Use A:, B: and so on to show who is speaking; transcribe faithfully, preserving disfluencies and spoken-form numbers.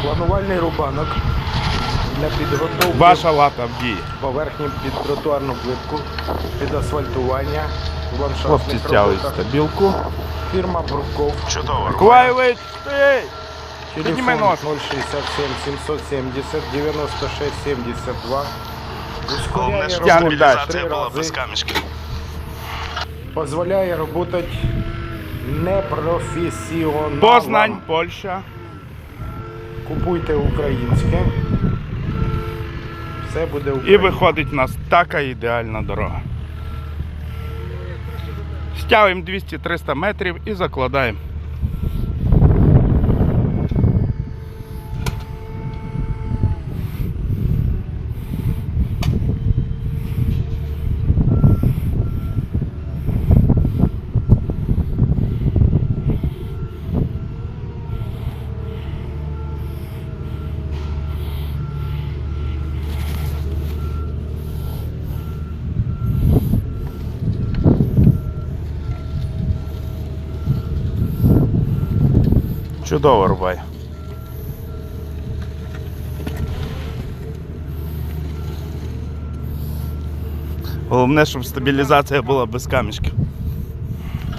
A: Планувальний рубанок для підготовки
B: Ваша лата в дії.
A: поверхні під тротуарну плитку, під асфальтування, в
B: Хлопці
A: ландшафтних
B: стягують
A: роботах.
B: стабілку.
A: Фірма Бурков.
C: Чудово.
B: Миколаєвич, стій! Підніми
A: Телефон
B: нос.
A: ноль шістдесят сім сімсот сімдесят дев'яносто шість сімдесят два.
C: Головне,
A: Ускоряє
C: щоб
B: Тягнемо
A: роботу
B: далі.
C: стабілізація
A: три
C: була без
A: рази.
C: камішків.
A: Дозволяє працювати непрофесіоналам.
B: Познань, Польща.
A: Купуйте українське. Все буде
B: І
A: українське.
B: виходить у нас така ідеальна дорога. Стягуємо двісті-триста метрів і закладаємо. Чудово рубає. Головне, щоб стабілізація була без камішків.